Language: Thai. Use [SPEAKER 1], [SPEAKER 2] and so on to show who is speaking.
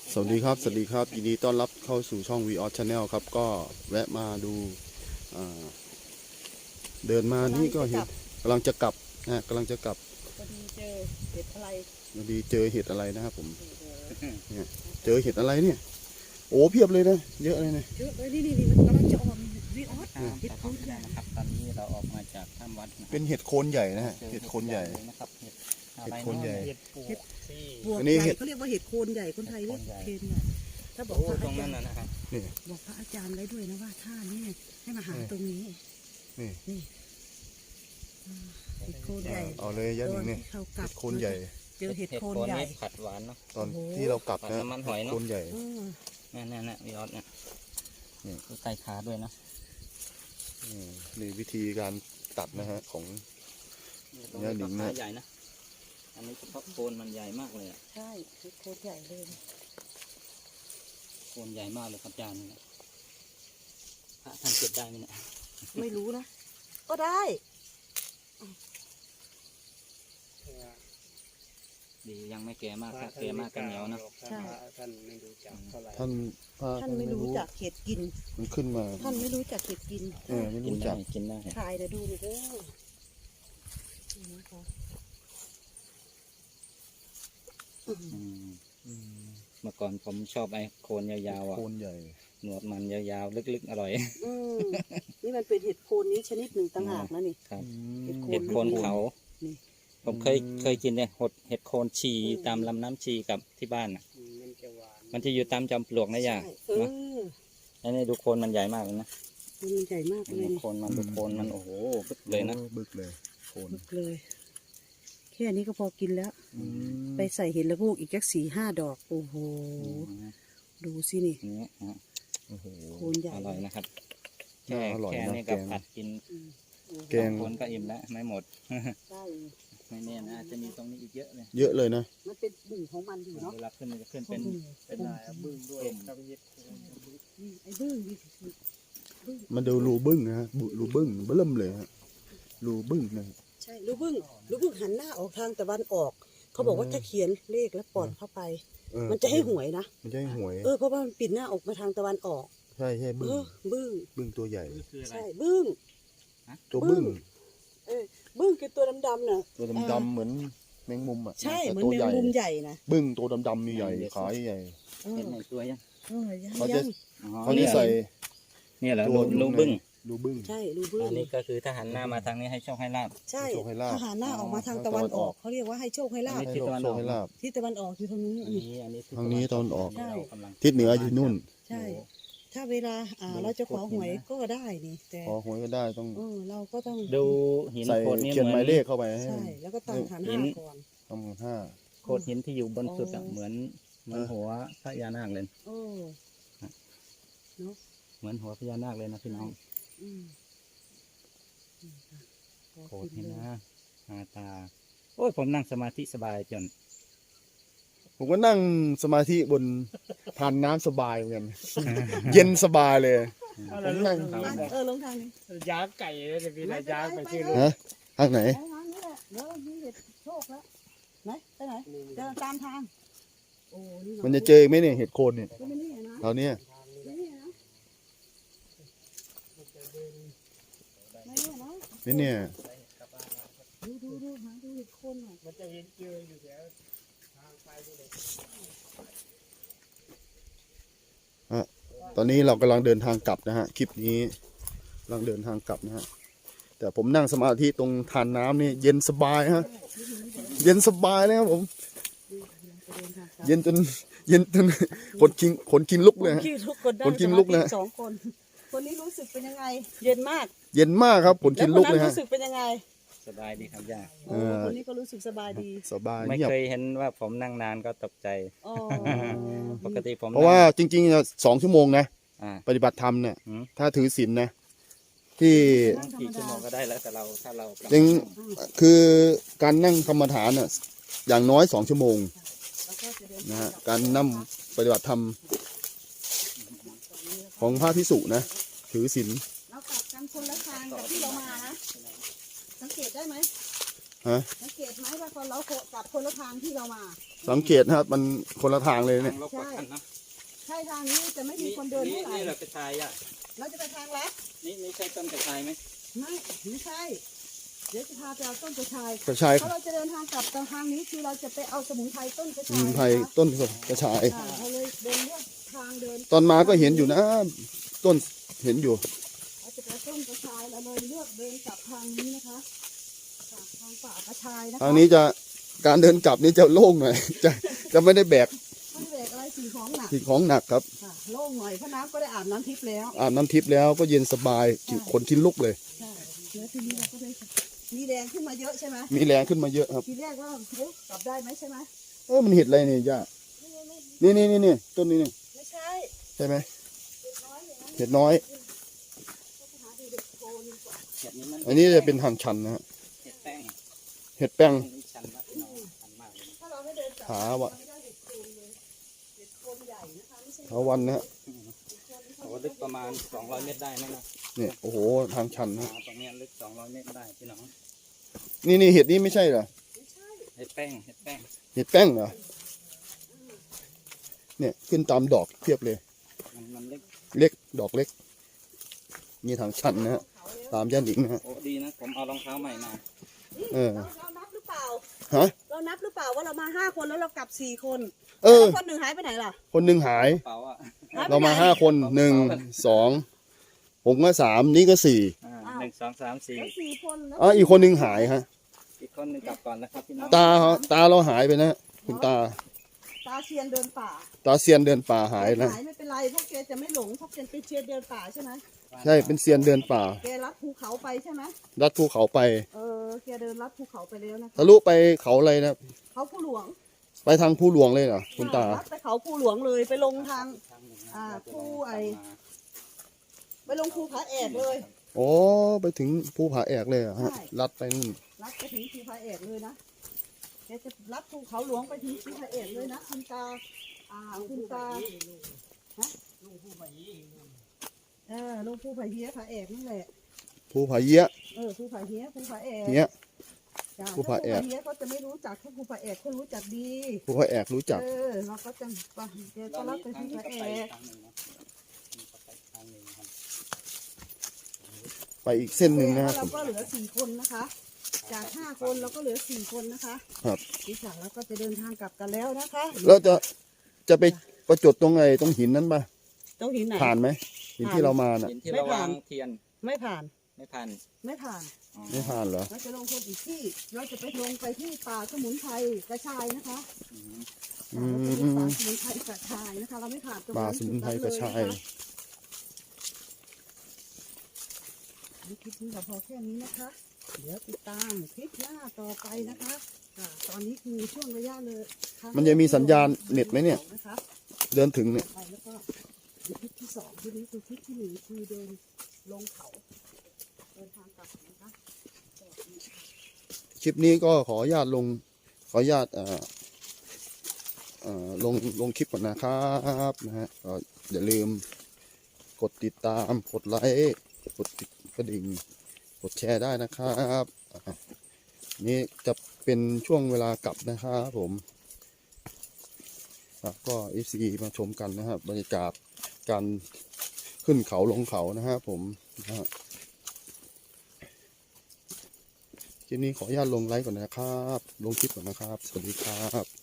[SPEAKER 1] สวัสดีครับยินดีต้อนรับเข้าสู่ช่อง Vios Channel ครับก็แวะมาดูเดินมานี่ก็เห็นกำลังจะกลับนะกำลังจะกลับ
[SPEAKER 2] พอดีเจอเห็ดอะไร
[SPEAKER 1] พอดีเจอเห็ดอะไรนะครับผมเนี่ยเจอเห็ดอะไรเนี่ยโอ้เพียบเลยนะเยอะเลยนะ
[SPEAKER 2] เยอะเลยนี่มันกำลังจะออกวิออส
[SPEAKER 3] เห็ดโคนใหญ่นะครับตอนนี้เราออกมาจากถ้ำวัด
[SPEAKER 1] เป็นเห็ดโคนใหญ่นะฮะเห็ดโคนใหญ่
[SPEAKER 3] นะครับเห็ด
[SPEAKER 1] โคนใหญ่
[SPEAKER 2] เห็ดบวกใหญ่เขาเรียกว่าเห็ดโคนใหญ่คนไทยเรียกเคนใหญ่ถ้าบอกพระอาจารย์
[SPEAKER 3] นะครับ
[SPEAKER 2] บอกพระอาจารย์ไว้ด้วยนะว่าท่านี้ให้มาหาตรงนี้นี่เห็ดโคนใหญ่
[SPEAKER 1] เอาเลยยันหนึ่งเนี่ยเห็ดโคนใหญ่
[SPEAKER 2] เจอเห็ดโคนใหญ่
[SPEAKER 3] ผัดหวานเนาะ
[SPEAKER 1] ตอนที่เรากลับนะ
[SPEAKER 3] มันหอยเนาะ
[SPEAKER 1] โคนใหญ่
[SPEAKER 3] นี่วิออสเนี่ยใส่ขาด้วยนะ
[SPEAKER 1] นี่วิธีการตัดนะฮะของย่าหนิงนะ
[SPEAKER 3] ใหญ่นะอันนี้เฉพาะโคนมันใหญ่มากเลยอ่ะ
[SPEAKER 2] ใช่โคนใหญ่เลย
[SPEAKER 3] โคนใหญ่มากเลยครับอาจารย์พระท่านเก็บได้ไหมเนี่ย
[SPEAKER 2] ไม่รู้นะก็ได้
[SPEAKER 3] ดียังไม่แก่มากครับแก่มากกันเหนียวนะ
[SPEAKER 2] ใช่
[SPEAKER 3] ท่านไม่รู้จักเท่าไหร่
[SPEAKER 1] ท่าน
[SPEAKER 2] ไม่รู้จักเห็ดกิน
[SPEAKER 1] มันขึ้นมา
[SPEAKER 2] ท่านไม่รู้จักเห็ดกิน
[SPEAKER 1] ไม่รู้จัก
[SPEAKER 3] กินได้
[SPEAKER 2] ถ่ายเดี๋ยวดูดิเด้อ
[SPEAKER 3] เมื่อก่อนผมชอบไอ้โคนยาวๆอ่ะ
[SPEAKER 1] โคนใหญ่
[SPEAKER 3] หนวดมันยาวๆลึกๆอร่อย
[SPEAKER 2] นี่มันเป็นเห็ดโคนนี้ชนิดหนึ่งต่างหากนะนี่
[SPEAKER 3] ครับเห็ดโคนเขาผมเคยกินเนี่ยเห็ดโคนชีตามลำน้ำชีกับที่บ้านอ่ะมันจะอยู่ตามจอมปลวกนะย่าอันนี้ดูโคนมันใหญ่มากเลยนะ
[SPEAKER 2] มันใหญ่มากเลย
[SPEAKER 3] โคนมันดูโคนมันโอ้โหบึกเลยนะ
[SPEAKER 1] บึกเลยโคน
[SPEAKER 2] บึกเลยแค่นี้ก็พอกินแล้วไปใส่เห็ดละงูกอีกจัก4-5 ดอกโอ้โหดูสินี่โคนใหญ่
[SPEAKER 3] อร่อยนะครับแค่นี้กับผัดกิน
[SPEAKER 1] แกง
[SPEAKER 3] คนก็อิ่มแล้วไม่หมดไม่แน่นะจะมีตรงนี้อีกเยอะเลย
[SPEAKER 1] เยอะเลยนะ
[SPEAKER 2] มันเป็นบึ้งของมันอยู่เนาะ
[SPEAKER 3] เวลาขึ้นมันจะขึ้นเป็นลายบึ้งด้วย
[SPEAKER 2] ไอ้บึ้ง
[SPEAKER 1] มันดูรูบึ้งนะฮะรูบึ้งเบิ่มเลยฮะรูบึ้งนะ
[SPEAKER 2] ใช่รูบึ้งหันหน้าออกทางตะวันออกเขาบอกว่าถ้าเขียนเลขแล้วปอนเข้าไปมันจะให้หวยนะ
[SPEAKER 1] มันจะให้หวย
[SPEAKER 2] เพราะว่ามันปิดหน้าออกมาทางตะวันออก
[SPEAKER 1] ใช่บึ้งตัวใหญ่
[SPEAKER 2] ใช่บึ้ง
[SPEAKER 1] ตัวบึ้ง
[SPEAKER 2] บึ้งคือตัวดำๆน่ะ
[SPEAKER 1] ตัวดำๆเหมือนแมงมุมอ่ะ
[SPEAKER 2] ใช่เหมือนแมงมุมใหญ่นะ
[SPEAKER 1] บึ้งตัวดำๆใหญ่ขาใหญ่
[SPEAKER 3] เป็นไหนตัวยัง
[SPEAKER 1] เขาจะใส่
[SPEAKER 3] เนี่ยเหรอรูบึ้ง
[SPEAKER 2] ใช่รูบึ้ง
[SPEAKER 3] อันนี้ก็คือถ้าหันหน้ามาทางนี้ให้โชคให้ลาบ
[SPEAKER 2] ใช่ถ้าหันหน้าออกมาทางตะวันออกเขาเรียกว่าให้โชคให้ลาบ
[SPEAKER 1] ทิศตะวันออก
[SPEAKER 2] ทิศตะวันออกอยู่ทางนี้
[SPEAKER 1] ทางนี้ตะวันออกทิศเหนืออยู่นู่น
[SPEAKER 2] ใช่ถ้าเวลาเราจะขอหวยก็ได้นี่แต่
[SPEAKER 1] ขอหวยก็ได้ต้อง
[SPEAKER 2] เราก็ต้อง
[SPEAKER 3] ดูหินโขดนี้
[SPEAKER 1] เขียนหมายเลขเข้าไป
[SPEAKER 2] ใช่แล้วก็ตั้งฐาน5ก่อน
[SPEAKER 1] ตั้ง5
[SPEAKER 3] โขดหินที่อยู่บนสุดเหมือนหัวพญานาคเลยเหมือนหัวพญานาคเลยนะพี่น้องโขดหินนะตาโอ้ยผมนั่งสมาธิสบายจน
[SPEAKER 1] ผมก็นั่งสมาธิบนทานน้ำสบายเหมือนกันเย็นสบายเลยผมนั่ง
[SPEAKER 2] ลงทางนี้
[SPEAKER 3] ย้างไก่เลยจะมีอะไรย้างไปชื่อ
[SPEAKER 1] ทางไหน
[SPEAKER 2] เดี๋ยวมีเห็ดโชคแล้วไหนไปไหนจะตามทาง
[SPEAKER 1] มันจะเจอไหมเนี่ยเห็ดโคนเนี่ยแถวนี้นี่เนี่ย
[SPEAKER 2] ดูหาดูเห็ดโคน
[SPEAKER 3] มันจะเห็นเจออยู่แถว
[SPEAKER 1] ตอนนี้เรากำลังเดินทางกลับนะฮะคลิปนี้กำลังเดินทางกลับนะฮะแต่ผมนั่งสมาธิตรงทานน้ำนี่เย็นสบายฮะเย็นสบายเลยครับผมเย็นจนคนกินลุกเลยฮะคนกินลุกเลย
[SPEAKER 2] 2 คนนี้รู้สึกเป็นยังไงเย็นม
[SPEAKER 1] ากครับคนกินลุกเลยฮะ
[SPEAKER 2] รู้สึกเป็นยังไง
[SPEAKER 3] สบายดีครับย่า
[SPEAKER 2] คนนี้ก็รู้สึกสบายดี
[SPEAKER 3] ไม่เคยเห็นว่าผมนั่งนานก็ตกใจปกติผม
[SPEAKER 1] เพราะว่าจริงๆ2 ชั่วโมงนะปฏิบัติธรรมเนี่ยถ้าถือศีลนะที่
[SPEAKER 3] กี่ชั่วโมงก็ได้แล้วแต่ถ้าเรา
[SPEAKER 1] จริงคือการนั่งกรรมฐานน่ะอย่างน้อย2 ชั่วโมงนะฮะการนั่งปฏิบัติธรรมของพระภิกษุนะถือศีล
[SPEAKER 2] เรากลับกันคนละทางกับที่เรามานะสังเกตได้ไหม
[SPEAKER 1] ฮะ
[SPEAKER 2] สังเกตไหมว่าคนเรากลับคนละทางที่เรามา
[SPEAKER 1] สังเกตนะครับมันคนละทางเลยเนี่ย
[SPEAKER 3] ลบกว่ากันนะ
[SPEAKER 2] ใช่ทางนี้จะไม่มีคนเดินเท่าไหร่
[SPEAKER 3] นี่เรากระชายอ่ะ
[SPEAKER 2] เราจะไปทางลัด
[SPEAKER 3] นี่ใช่ต้นกระชายไหม
[SPEAKER 2] ไม่ใช่ เดี๋ยวจะพาไปเอาต้นกระชาย
[SPEAKER 1] กระชาย
[SPEAKER 2] เพราะเราจะเดินทางกลับทางนี้คือเราจะไปเอาสมุนไพรต้นกระ
[SPEAKER 1] ส
[SPEAKER 2] ชาย
[SPEAKER 1] มุนไพรต้นกระชาย
[SPEAKER 2] เราเลยเดินเลือกทางเดิน
[SPEAKER 1] ตอนมาก็เห็นอยู่นะ ต้นเห็นอยู่
[SPEAKER 2] เราจะไปต้นกระชายเราเลยเลือกเดินกลับทางนี้นะคะทางป่ากระชายนะคะ
[SPEAKER 1] ทางนี้จะการเดินกลับนี่จะโล่งหน่อย จะไม่ได้แบก
[SPEAKER 2] ไม่ได้แบกอะไรสิ่งของหนัก
[SPEAKER 1] สิ่งของหนักครับ
[SPEAKER 2] ค่ะโล่งหน่อยเพราะน้ำก็ได้อาบน้ำทิพย์แล้ว
[SPEAKER 1] อาบน้ำทิพย์แล้วก็เย็นสบายคนกินลุกเลย
[SPEAKER 2] ใช่แล้วทีนี้เราก็ได้มีแรงขึ้นมาเยอะใช่ไหม
[SPEAKER 1] มีแรงขึ้นมาเยอะครับ
[SPEAKER 2] ทีแรกว่าเฮ้ยกลับได้ไหมใช่ไหม
[SPEAKER 1] มันเห็ดอะไรเนี่ยย่านี่ต้นนี้นี่
[SPEAKER 2] ไม่ใช่
[SPEAKER 1] ใช่ไหม
[SPEAKER 2] เด็กน้อยอย่างนั้น
[SPEAKER 1] เห็ดน้อย
[SPEAKER 2] หาดูเด็กโตดีกว่า
[SPEAKER 3] เห็ดนี้มัน
[SPEAKER 1] อันนี้จะเป็นทางชันนะฮะ
[SPEAKER 3] เห็ดแป้ง
[SPEAKER 1] เห็ดแป้ง
[SPEAKER 3] ชันมากพี่น้องชันมากเลย
[SPEAKER 2] ถ้าเราไม่เดินกลับ
[SPEAKER 1] หาวะ
[SPEAKER 2] ไม่ได้เด็กโตเลยเด็กโตใหญ่นะคะไม่ใช่
[SPEAKER 1] หาวันนะฮะ
[SPEAKER 3] โอ้ลึกประมาณ200 เมตรได้ไหมนะ
[SPEAKER 1] เนี่ยโอ้โหทางชันนะ
[SPEAKER 3] ตรงเนี้ยลึก200 เมตรได้พี่น้อง
[SPEAKER 1] นี่เห็ดนี้ไม่ใช่เหรอ
[SPEAKER 3] เห็ดแป้ง
[SPEAKER 1] เห็ดแป้งเหรอเนี่ยขึ้นตามดอกเพียบเลย
[SPEAKER 3] มันเล็ก
[SPEAKER 1] เล็กดอกเล็กนี่ทางชันนะฮะตามย่านหญิงนะฮะ
[SPEAKER 3] โอ้ดีนะผมเอารองเท้าใหม่มา
[SPEAKER 1] เออ
[SPEAKER 2] เรานับหรือเปล่า
[SPEAKER 1] ฮะ
[SPEAKER 2] เรานับหรือเปล่าว่าเรามา5 คนแล้วเรากลับ4 คน
[SPEAKER 1] เออ
[SPEAKER 2] แล้วคนหนึ่งหายไปไหนล่ะ
[SPEAKER 1] คนหนึ่งหาย
[SPEAKER 3] กระเป๋าอ่ะ
[SPEAKER 2] หยไป
[SPEAKER 1] เรามา
[SPEAKER 2] ไหน
[SPEAKER 1] 5 คน1 2ผมก็3นี่ก็4
[SPEAKER 3] 1 2 3
[SPEAKER 2] แล้ว
[SPEAKER 3] 4
[SPEAKER 2] 4 คนแล้ว
[SPEAKER 1] อ๋ออีกคนหนึ่งหายฮะ
[SPEAKER 3] อีกคนหนึงกลับก่อนนะครับพี่น้อง
[SPEAKER 1] ตาเราหายไปนะคุณตา
[SPEAKER 2] ตาเชียนเดินป่า
[SPEAKER 1] ตาเซียนเดินป่าหายนะ
[SPEAKER 2] หายไม่เป็นไรพวกแกจะไม่หลงเพราะแกเป็นเชียนเดินป่าใช่ไหม
[SPEAKER 1] ใช่เป็นเซียนเดินป่า
[SPEAKER 2] แกลัดภูเขาไปใช่ไหม
[SPEAKER 1] ลัดภูเขาไป
[SPEAKER 2] แกเดินลัดภูเขาไปแล้วนะคะ
[SPEAKER 1] ทะลุไปเขาอะไรนะ
[SPEAKER 2] เขาผู้หลวง
[SPEAKER 1] ไปทางภูหลวงเลยเหรอคุณตา
[SPEAKER 2] ลัดไปเขาผู้หลวงเลยไปลงทาง ผู้ไปลงภูผาแอกเลย
[SPEAKER 1] โอ้ไปถึงภูผาแอกเลยเหรอฮะ
[SPEAKER 2] ใช่
[SPEAKER 1] ลัดไปนู่น
[SPEAKER 2] ลัดไปถึงภูผาแอกเลยนะแกจะลัดภูเขาหลวงไปถึงภูผาแอกเลยนะคุณตาคุณตาฮะลงภูผาเฮียผาแอกนั่นแหละ
[SPEAKER 1] ภูผาเยี่ย
[SPEAKER 2] ภูผาเฮียภูผาแอก
[SPEAKER 1] เนี้ย
[SPEAKER 2] จ้ะ
[SPEAKER 1] ภูผาแอก
[SPEAKER 2] ถ้ภูเฮียเขาจะไม่รู้จักถ้าภูผาแอกเขารู้จักดี
[SPEAKER 1] ภูผาแอกรู้จัก
[SPEAKER 2] เราก็จะไปแกก็ลัดไปภูผาแอก
[SPEAKER 1] ไปอีกเส้นหนึ่งนะครับ
[SPEAKER 2] เราก็เหลือ4 คนนะคะ จาก5 คนเราก็เหลือ4 คนนะคะ
[SPEAKER 1] ครับ
[SPEAKER 2] ดิฉันเราก็จะเดินทางกลับกันแล้วนะคะ
[SPEAKER 1] แล้วจะไปประจดตรงไหนตรงหินนั้นปะ
[SPEAKER 2] ต้องหินไหน
[SPEAKER 1] ผ่านไหมหินที่เรามาน่ะ
[SPEAKER 3] หินที่เราวางเทียน
[SPEAKER 2] ไม่ผ่าน
[SPEAKER 3] ไม่พัน
[SPEAKER 2] ไม่ผ่าน
[SPEAKER 3] อ๋อ
[SPEAKER 1] ไม่ผ่านเหรอ
[SPEAKER 2] เราจะลงคนอีกที่เราจะไปลงไปที่ป่าสมุนไพรกระชายนะคะ
[SPEAKER 1] อืม
[SPEAKER 2] เราจะไปป่าสมุนไพรกระชายนะคะ เราไม่ผ่านตรง
[SPEAKER 1] ป่า
[SPEAKER 2] นั้น
[SPEAKER 1] สมุนไพรกระชาย
[SPEAKER 2] คลิปนี้เราพอแค่นี้นะคะ เดี๋ยวติดตามคลิปหน้าต่อไปนะคะตอนนี้คือช่วงระยะเลย
[SPEAKER 1] มันจะมีสัญญาณเน็ตไหมเนี่ย
[SPEAKER 2] นะคะ
[SPEAKER 1] เดินถึงเนี่ย
[SPEAKER 2] ไปแล้วก็คลิปที่2ทีนี้คือคลิปที่1คือเดินลงเขาเดินทางกลับนะคะ
[SPEAKER 1] คลิปนี้ก็ขออนุญาตลงขออนุญาตลงคลิปก่อนนะครับนะฮะก็อย่าลืมกดติดตามกดไลค์กดติดกระดิ่งกดแชร์ได้นะครับนี่จะเป็นช่วงเวลากลับนะครับผมครับก็ FC มาชมกันนะครับบรรยากาศการขึ้นเขาลงเขานะครับผมนะฮะคลิปนี้ขออนุญาตลงไลค์ก่อนนะครับ ลงคลิปก่อนนะครับ สวัสดีครับ